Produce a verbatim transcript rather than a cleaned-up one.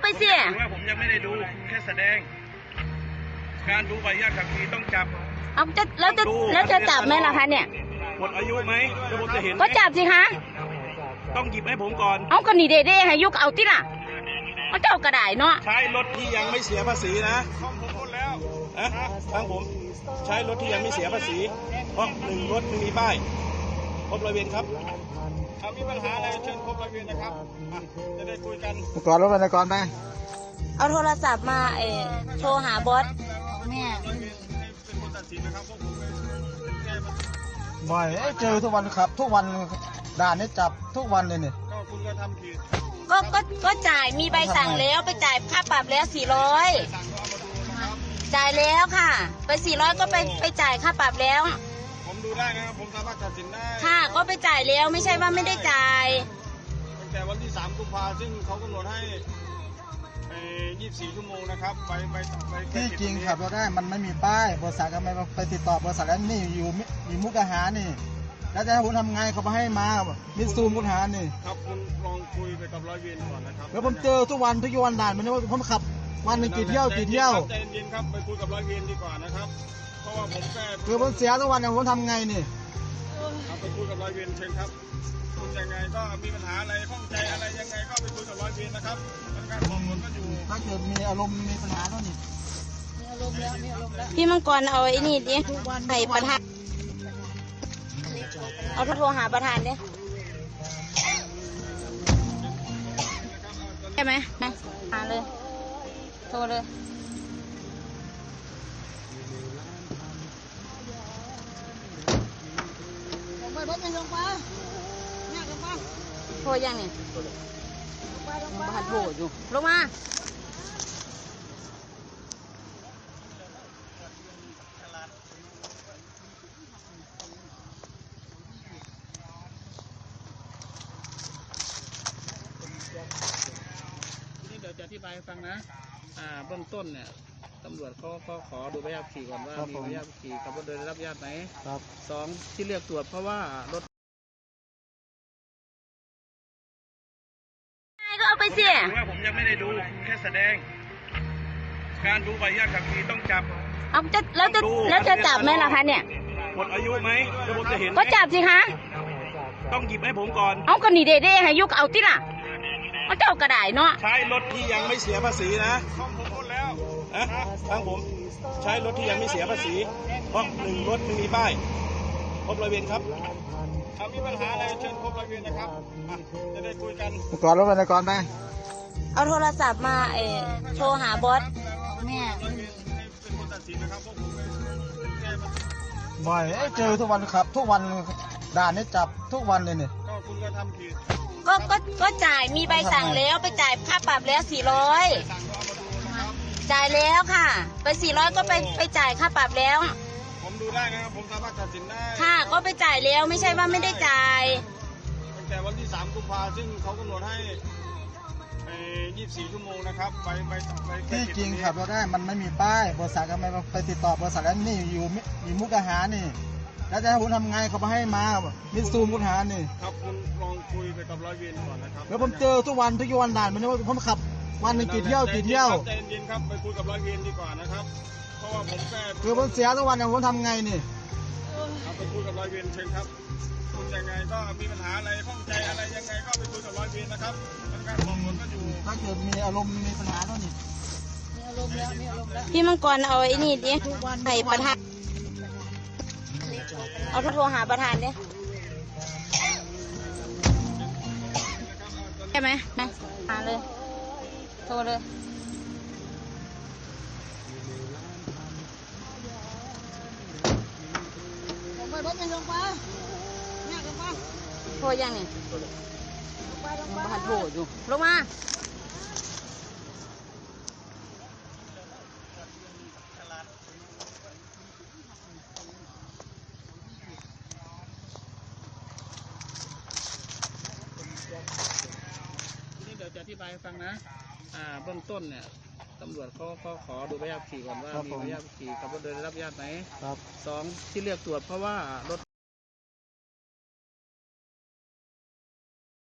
ไปสิว่าผมยังไม่ได้ดูแค่แสดงการดูใบอนุญาตขับขี่ต้องจับเอาจะแล้วจะแล้วจะจับไหมล่ะคะเนี่ยหมดอายุไหมแล้วผมจะเห็นก็จับสิคะต้องหยิบให้ผมก่อนเอาก็นี่เด้ๆให้ยุกเอาที่ล่ะเอาเจ้ากระดาษเนาะใช้รถที่ยังไม่เสียภาษีนะของผมพูดแล้วนะทางผมใช้รถที่ยังไม่เสียภาษีเพราะหนึ่งรถไม่มีป้ายพบร้อยเวรครับถ้ามีปัญหาอะไรเชิญพบร้อยเวรนะครับจะได้คุยกันก่อนรถไปก่อนไปเอาโทรศัพท์มาเออโทรหาบอสแม่บ่อยเจอทุกวันครับทุกวันด่านนี้จับทุกวันเลยเนี่ยก็คุณก็ทำผิดก็ก็ก็จ่ายมีใบสั่งแล้วไปจ่ายค่าปรับแล้วสี่ร้อยจ่ายแล้วค่ะไปสี่ร้อยก็ไปไปจ่ายค่าปรับแล้วผมดูได้นะครับผมสามารถตัดสินได้ค่ะก็ไปจ่ายแล้วไม่ใช่ว่าไม่ได้จ่ายตั้งแต่วันที่สามกุมภาซึ่งเขากำหนดให้ยี่สิบสี่ชั่วโมงนะครับไปไปไปที่จริงขับรถได้มันไม่มีป้ายบริษัทก็ไม่ไปติดต่อบริษัทแล้วนี่อยู่มีมุกอาหารนี่แล้วจะให้ผมทำไงเขาไปให้มามิซูมุกอาหารนี่ครับคุณลองคุยไปกับร้อยเวรก่อนนะครับแล้วผมเจอทุกวันทุกวันด่านมันว่าผมขับวันหนึ่งกี่เที่ยวกี่เที่ยวใจเย็นครับไปคุยกับร้อยเวรดีกว่านะครับเพราะว่าผมแค่คือผมเสียทุกวันเนี่ยผมทำไงนี่ไปคุยกับร้อยเวรเชิญครับคุณยังไงก็มีปัญหาอะไรข้องใจอะไรยังไงก็ไปคุยกับร้อยเวรนะครับการมองคนก็อยู่ถ้าเกิดมีอารมณ์มีปัญหาเท่านี้พี่มังกรเอาไอ้นี่ดิใส่ประธานเอาโทรหาประธานดิใช่ไหมนะหาเลยโทรเลยโทรยังเนี่ยบ้านโทรอยู่ลงมานี่เดี๋ยวจะอธิบายให้ฟังนะอ่าเบื้องต้นเนี่ยตำรวจเขาก็ขอดูใบขับขี่ก่อนว่ามีใบขับขี่ขับรถโดยได้รับอนุญาตไหมครับสองที่เรียกตรวจเพราะว่ารถก็เอาไปสิว่าผมยังไม่ได้ดูแค่แสดงการดูใบอนุญาตขับขี่ต้องจับเอาจะแล้วจะแล้วจะจับไหมล่ะคะเนี่ยหมดอายุไหมแล้วผมจะเห็นก็จับสิคะต้องหยิบให้ผมก่อนเอาก็นี่เด้ๆให้ยุกเอาที่ล่ะเอาเจ้ากระดาษเนาะใช้รถที่ยังไม่เสียภาษีนะของผมพูดแล้วนะทางผมใช้รถที่ยังไม่เสียภาษีเพราะหนึ่งรถไม่มีป้ายพบร้อยเวรครับถ้ามีปัญหาอะไรเชิญพบร้อยเวรนะครับจะได้คุยกันก่อนรถไปก่อนไปเอาโทรศัพท์มาเออโทรหาบอสแม่บ่อยเจอทุกวันครับทุกวันด่านนี้จับทุกวันเลยเนี่ยก็คุณก็ทำผิดก็ก็ก็จ่ายมีใบสั่งแล้วไปจ่ายค่าปรับแล้วสี่ร้อยจ่ายแล้วค่ะไปสี่ร้อยก็ไปไปจ่ายค่าปรับแล้วผมดูได้นะครับผมสามารถตัดสินได้ค่ะก็ไปจ่ายแล้วไม่ใช่ว่าไม่ได้จ่ายตั้งแต่วันที่สามกุมภาซึ่งเขากำหนดให้ยี่สิบสี่ชั่วโมงนะครับไปไปไปที่จริงขับรถได้มันไม่มีป้ายบริษัทก็ไม่ไปติดต่อบริษัทแล้วนี่อยู่มีมุกอาหารนี่แล้วจะให้ผมทำไงเขาไปให้มามิซูมุกอาหารนี่ครับคุณลองคุยไปกับร้อยเวรก่อนนะครับแล้วผมเจอทุกวันทุกวันด่านมันว่าผมขับวันหนึ่งกี่เที่ยวกี่เที่ยวใจเย็นครับไปคุยกับร้อยเวรดีกว่านะครับเพราะว่าผมแค่คือผมเสียทุกวันเนี่ยผมทำไงนี่ไปคุยกับร้อยเวรเชิญครับคุณยังไงก็มีปัญหาอะไรข้องใจอะไรยังไงก็ไปคุยกับร้อยเวรนะครับการมองคนก็อยู่ถ้าเกิดมีอารมณ์มีปัญหาเท่านี้พี่มังกรเอาไอ้นี่ดิใส่ประธานเอาโทรหาประธานดิใช่ไหมนะหาเลยโทรเลยโทรยังเนี่ยบ้านโทรอยู่ลงมานี่เดี๋ยวจะอธิบายให้ฟังนะอ่าเบื้องต้นเนี่ยตำรวจเขาก็ขอดูใบขับขี่ก่อนว่ามีใบขับขี่ขับรถโดยได้รับอนุญาตไหมครับสองที่เรียกตรวจเพราะว่ารถ